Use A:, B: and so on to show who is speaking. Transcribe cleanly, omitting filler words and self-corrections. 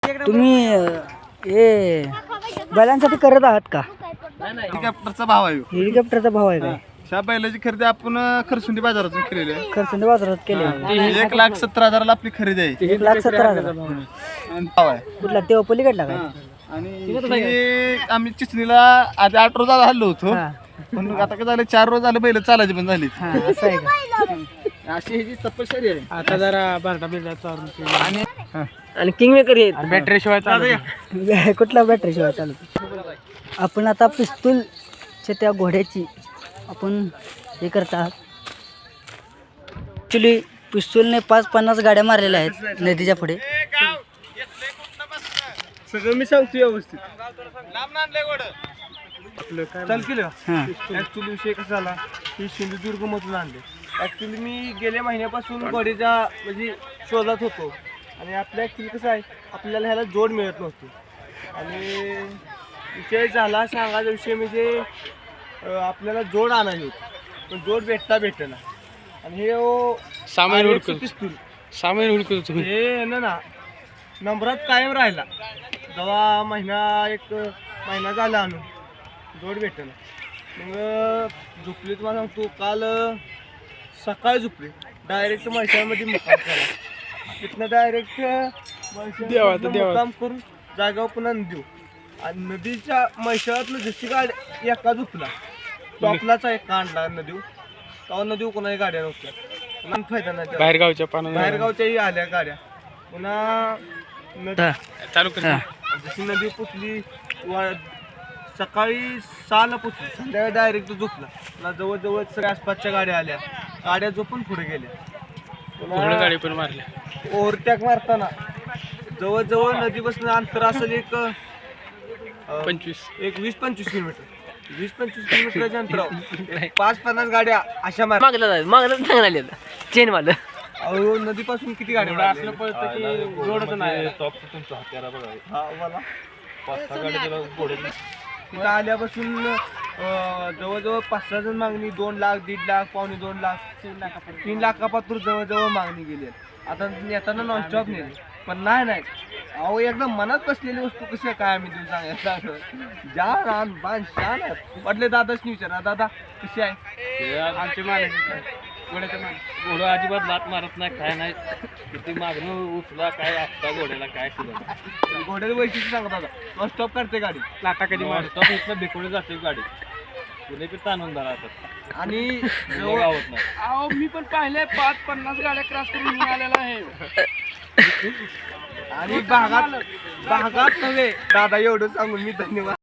A: तुम्ही हे बैलांसाठी करत आहात का?
B: हेलिकॉप्टरचा भाव आहे
A: हेलिकॉप्टरचा भाव आहे काय?
B: ह्या बैलाची खरेदी आपण खरसुंडी बाजारातून केलेली आहे.
A: खरसुंडी बाजारात केले
B: 1,70,000 आपली खरेदी आहे.
A: 1,70,000
B: आणि भाव आहे
A: कुठला तेव्हा पलीकडला काय?
B: आणि हे आम्ही चिचणीला आधी 8 रोज हल्लो होतो
A: हा
B: पण आता काय झालं 4 रोज झालं बैल चालायची पण झाली.
A: हा असं आहे का?
B: अशी ह्याची तपश्चर्या आहे.
C: आता जरा बारडा बिरडा चालू
A: आणि किंग मेकर आहेत
C: बॅटरी शिवाय चालू
A: कुठला बॅटरी शिवाय चालत. आपण आता पिस्तूलच्या त्या घोड्याची आपण हे करत आहात. ॲक्च्युली पिस्तूलने 5-50 गाड्या मारलेल्या आहेत नदीच्या पुढे.
B: सगळं मी सांगतो व्यवस्थित. चल केलं ऍक्च्युली विषय कसा झाला की सिंधुदुर्ग मधून आणले. ऍक्च्युली मी गेल्या महिन्यापासून घोडीचा म्हणजे शोधात होतो आणि आपल्या ऍक्च्युली कसं आहे आपल्याला ह्याला जोड मिळत नव्हती आणि विषय झाला सांगायचा विषय म्हणजे आपल्याला जोड आणायची होती पण जोड भेटना आणि हे
C: सामान
B: पिस्तूल
C: सामान हुडकत
B: हे ना नंबरात कायम राहिला. जेव्हा एक महिना झाला आणून जोड भेटना मग झोपली तुम्हाला सांगतो काल सकाळी झोपली डायरेक्ट म्हैसाळमध्ये मुक्काम केला. तिथनं डायरेक्ट मुक्काम करून जागावर पुन्हा देऊ आणि नदीच्या म्हैसाळातलं जशी गाडी एका झोपला टॉपलाचा एक कांडला नदीव तेव्हा नदीव कोणाही गाड्या नव्हत्या फायदा नाही. बाहेरगावच्याही आल्या गाड्या पुन्हा
C: चालू
B: जशी नदी पुचली सकाळी 6ला पुचली संध्याकाळी डायरेक्ट झोपला. जवळजवळ सगळ्या आसपासच्या गाड्या आल्या गाड्या झोपून पुढे गेल्या.
C: गाडी पण मारल्या
B: ओव्हरटॅक मारताना जवळजवळ नदीपासून अंतर असेल एक 20-25 किलोमीटर 20-25 किलोमीटरच्या अंतरावर 5-50 गाड्या अशा मारल्या.
A: चेन वालं
B: अहो नदीपासून किती गाड्या
C: असलं पळतं की जोडच नाही.
B: तिथं आल्यापासून जवळजवळ 5-6 जण मागणी 2 लाख 1.5 लाख 2.25 लाख 3 लाखापासून जवळजवळ मागणी गेली. आता येताना नॉनस्टॉप नेली पण नाही अहो एकदम मनात बसलेली वस्तू कशी काय आम्ही तुम्ही सांगायचं ज्या रान बाण शान पडले. दादाच विचारा दादा कशी आहे
C: आमचे घोडं अजिबात लात मारत नाही काय नाही किती मागणं उचला काय असता घोड्याला काय केलं
B: घोड्याचं वैशिष्ट्य सांगत दादा नॉनस्टॉप करते गाडी
C: लाटा कधी मारतो इथलं बेकोडे जाते गाडी तुला किती आनंद राहतात
B: आणि
C: गावत नाही. अहो मी पण पाहिले 5-50 गाड्या क्रॉस करून आलेला आहे
B: आणि भागात नव्हे दादा एवढं सांगून मी धन्यवाद